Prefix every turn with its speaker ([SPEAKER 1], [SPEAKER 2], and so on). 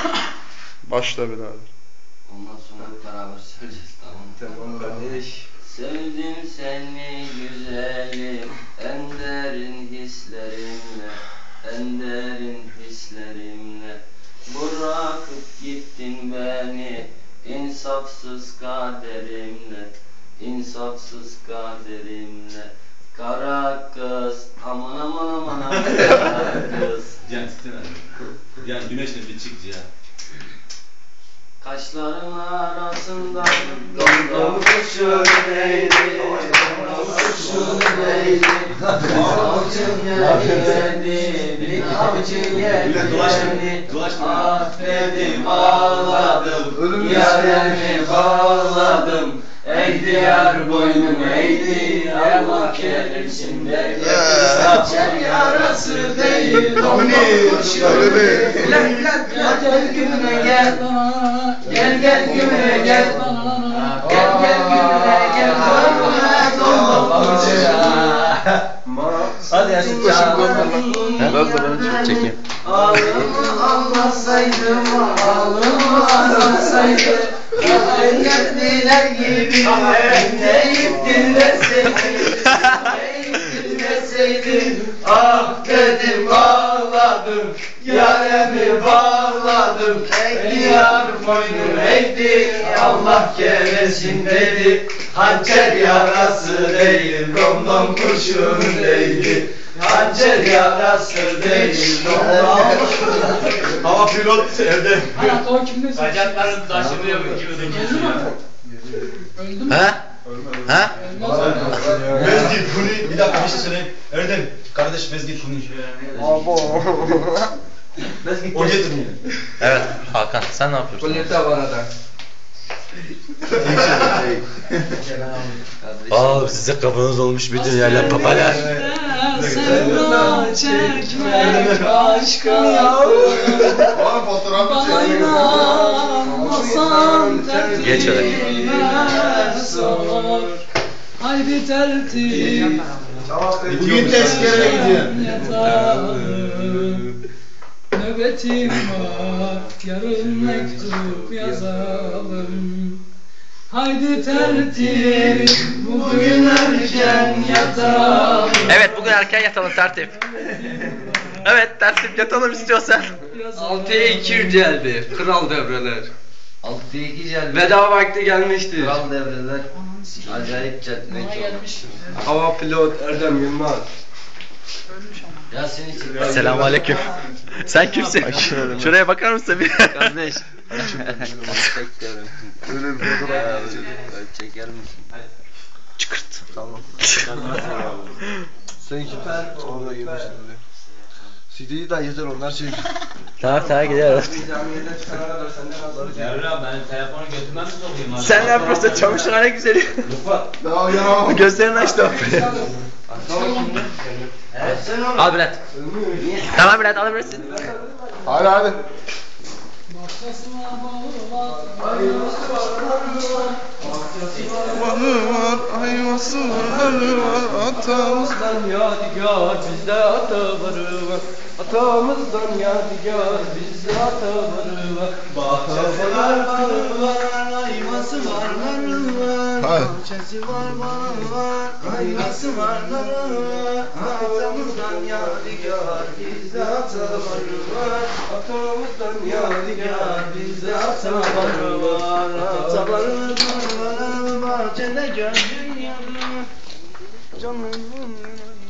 [SPEAKER 1] Başla birader.
[SPEAKER 2] Ondan sonra beraber söyleyeceğiz, tamam mı?
[SPEAKER 3] Tamam kardeş.
[SPEAKER 2] Sevdim seni güzelim, en derin hislerimle, en derin hislerimle. Bırakıp gittin beni, insafsız kaderimle, insafsız kaderimle. Kara kız, aman aman aman aman kara kız.
[SPEAKER 4] Can titreme. Yani güneşle bir çık ya.
[SPEAKER 2] Kaşların arasında dondum kuşun neydi? Dondum kuşun neydi? Avcın geldi, bir avcın geldi. Affedim ağladım, yaremi bağladım. Eğdi yar boynum eğdi, Allah kerimsinde. Saçar yarası değil, dondum kuşun neydi? Gel gümüne gel. Gel gel gümüne gel. Gel gel gümüne gel. Dolma
[SPEAKER 3] Hadi Yasin
[SPEAKER 1] Çekeyim.
[SPEAKER 2] Ağlımı almasaydım, ağlımı almasaydım. Geldiler gibi neyip dinleseydim. Ah dedim ağladım, yaremi bağladım. Ey yar boynum eğdi, Allah keresin dedi. Hançer yarası değil, domdom kurşun değdi. Hançer yarası değil, domdom kurşun.
[SPEAKER 4] Hava pilot evde.
[SPEAKER 5] Hayat o kimde?
[SPEAKER 4] Bacaklarım taşınıyor gibi de geçiyor.
[SPEAKER 5] Öldü mü?
[SPEAKER 1] Ha? Ha?
[SPEAKER 4] Mezgit Kuni, bir dakika bir şey söyleyeyim. Erdem, kardeş Mezgit Kuni. O getirmiyor.
[SPEAKER 1] Evet Hakan sen ne yapıyorsun?
[SPEAKER 3] Kulyete bana da.
[SPEAKER 1] Aa size kafanız olmuş bir dünyayla papalar.
[SPEAKER 5] Sevda çekmek başka yaptım. Bağlanmasan
[SPEAKER 1] Geç öyle.
[SPEAKER 5] tertibime sor. Haydi tertip.
[SPEAKER 4] Bugün tezkere gidiyor.
[SPEAKER 5] Yatalım. Nöbetim var, yarın mektup yazalım. Haydi tertip, bugün erken yatalım.
[SPEAKER 1] Evet bugün erken yatalım tertip. Evet tertip yatalım istiyorsan.
[SPEAKER 3] 6'ya 2 geldi. Kral devreler.
[SPEAKER 2] 6'ya 2 geldi.
[SPEAKER 3] Veda vakti gelmiştir.
[SPEAKER 2] Kral devreler. Acayip çetmek
[SPEAKER 5] Bana
[SPEAKER 2] oldu.
[SPEAKER 5] gelmiş.
[SPEAKER 3] Hava pilot Erdem Yılmaz.
[SPEAKER 2] Ya seni için.
[SPEAKER 1] Selamünaleyküm. Sen kimsin? Şuraya bakar mısın bir?
[SPEAKER 2] Kardeş. Öyle bir fotoğraf çeker misin?
[SPEAKER 1] Çıkırt.
[SPEAKER 2] Tamam.
[SPEAKER 3] Sen süper. Orada girmişsin oraya. CD'yi de yeter onlar şey.
[SPEAKER 1] Tamam gidiyoruz.
[SPEAKER 3] Camiyeden çıkana kadar senden azarı
[SPEAKER 4] Yarra ben telefonu götümden mi sokayım abi?
[SPEAKER 1] Sen ne yapıyorsun? Çamaşırhane güzeli.
[SPEAKER 3] Daha uyanamam.
[SPEAKER 1] Gözlerini açtı.
[SPEAKER 2] Evet sen onu.
[SPEAKER 1] Al Bülent. Tamam Bülent alabilirsin.
[SPEAKER 3] Hadi hadi.
[SPEAKER 1] Varı var, ayvası varı var,
[SPEAKER 3] Atamızdan yadigar bizde atavarı var. Atamızdan yadigar bizde atavarı var. Bahçeler varı var, ayvası var, narı var. Bahçesi var, barı var, ayvası var, narı var. Atamızdan yadigar bizde atavarı var. Atamızdan yadigar bizde atavarı var. Atavarı var, bahçede gördün yarı. Canım